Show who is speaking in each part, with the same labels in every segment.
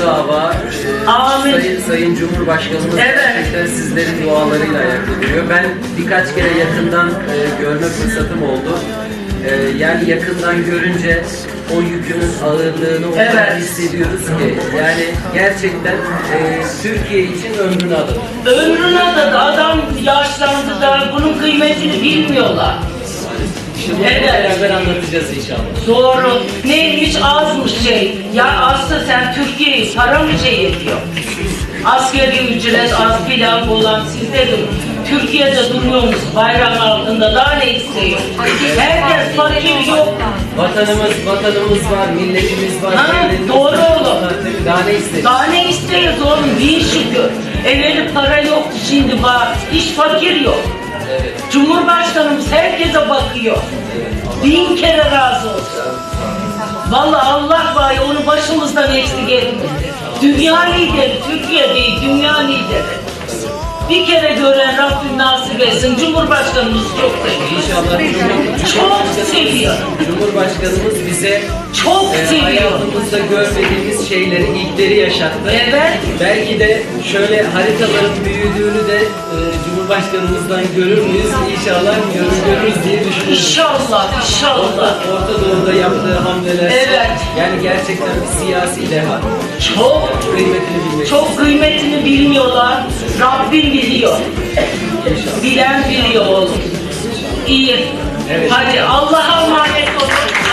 Speaker 1: dava
Speaker 2: Amin.
Speaker 1: Sayın Cumhurbaşkanımız
Speaker 2: Evet.
Speaker 1: gerçekten sizlerin dualarıyla ayakta duruyor. Ben birkaç kere yakından görme fırsatım oldu. Yani yakından görünce o yükünün ağırlığını o kadar
Speaker 2: Evet.
Speaker 1: hissediyoruz ki yani gerçekten Türkiye için ömrünü adadı.
Speaker 2: Ömrüne adadı. Adam yaşlandı da bunun kıymetini bilmiyorlar.
Speaker 1: Şimdi
Speaker 2: Evet.
Speaker 1: beraber anlatacağız inşallah.
Speaker 2: Doğru. Neymiş azmış şey. Ya aslında sen Türkiye'yi para mı şey ediyor? Asgari ücret az filan olan sizde de Türkiye'de duruyormuş bayrak altında, daha ne istiyor? Herkes fakir yok.
Speaker 1: Vatanımız var, milletimiz var.
Speaker 2: Ha,
Speaker 1: devletimiz
Speaker 2: doğru
Speaker 1: var.
Speaker 2: oğlum.
Speaker 1: Daha ne istedik?
Speaker 2: Daha ne istiyoruz oğlum? Bin şükür. Evveli para yoktu, şimdi var. Hiç fakir yok.
Speaker 1: Evet.
Speaker 2: Cumhurbaşkanımız herkese bakıyor. Bin kere razı olsun. Vallahi Allah var ya, onu başımızdan eksik etmedi. Dünya lideri, Türkiye değil, dünya lideri. Bir kere gören Rabbim nasip etsin. Cumhurbaşkanımız çok seviyor.
Speaker 1: İnşallah
Speaker 2: Çok seviyor.
Speaker 1: Cumhurbaşkanımız bize
Speaker 2: Çok seviyor.
Speaker 1: hayatımızda görmediğimiz şeyleri, ilkleri yaşattı.
Speaker 2: Evet.
Speaker 1: Belki de şöyle haritaların büyüdüğünü de Cumhurbaşkanımızdan görür müyüz? İnşallah görürüz diye düşünüyorum.
Speaker 2: İnşallah, inşallah.
Speaker 1: Orta Doğu'da yaptığı hamleler.
Speaker 2: Evet.
Speaker 1: Yani gerçekten bir siyasi deha.
Speaker 2: Çok,
Speaker 1: Kıymetini bilmek.
Speaker 2: çok kıymetini bilmiyorlar. Rabbim biliyor.
Speaker 1: İnşallah.
Speaker 2: Bilen biliyor oğlum. İyi.
Speaker 1: Evet.
Speaker 2: Hadi Allah'a emanet olun.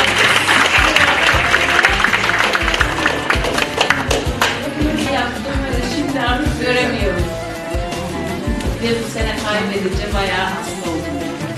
Speaker 3: Şimdi artık göremiyorum. Ve bu sene kaybedince bayağı hasta oldum.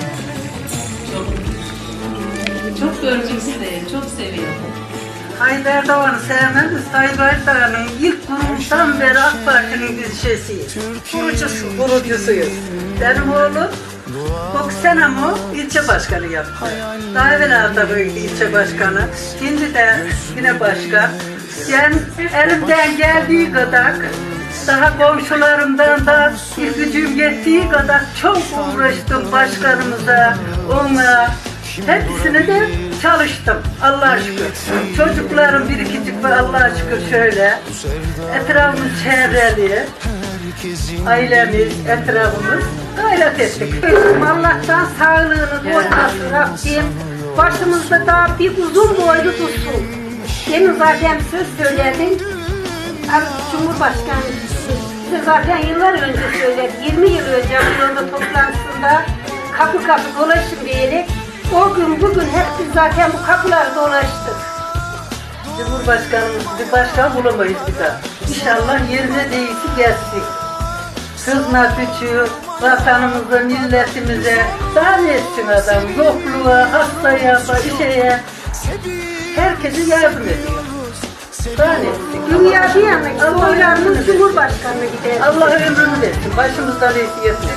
Speaker 3: Çok görmek isterim, çok seviyorum.
Speaker 4: Tayyip Erdoğan'ı sevmem de Tayyip Erdoğan'ın ilk kuruluştan beri AK Parti'nin bir şeysiyiz. Kurucusuyuz. Benim oğlum 9 sene ilçe başkanı yaptı. Daha evvel da böyle ilçe başkanı. Şimdi de yine başkan. Ben elimden geldiği kadar daha komşularımdan da bir gücüm yettiği kadar çok uğraştım başkanımıza, ona. Hepsine de çalıştım. Allah'a şükür. Çocuklarım birikicik ve Allah'a şükür şöyle. Etrafımız çevreli. Ailemiz, etrafımız gayret ettik. Allah'tan sağlığını koymasın Rabbim. Başımızda daha bir uzun boylu tutsun.
Speaker 5: Demin zaten söz söyledim. Cumhurbaşkanı size zaten yıllar önce söyledi. 20 yıl önce Anadolu toplantısında kapı kapı dolaşın diyerek o gün bugün hep biz zaten bu kapıları dolaştık.
Speaker 4: Cumhurbaşkanımız bir başkan bulamayız bir daha. İnşallah yerine değilsin gelsin. Hizmet için vatanımıza, milletimize daha ne etsin adam? Yokluğa, hastaya, şeye. Herkese yardım ediyor. Daha ne etsin?
Speaker 5: Dünya bir yana oylarımız Cumhurbaşkanı'na gider.
Speaker 4: Allah ömrünü versin. Başımızdan iyisi yesin.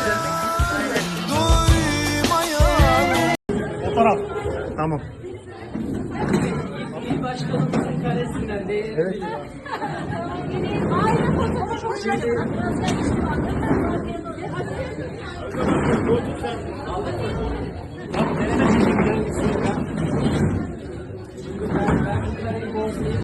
Speaker 6: Fotoğraf. Tamam.
Speaker 1: Başkanımızın karesinden değil.
Speaker 6: Evet. Şimdi...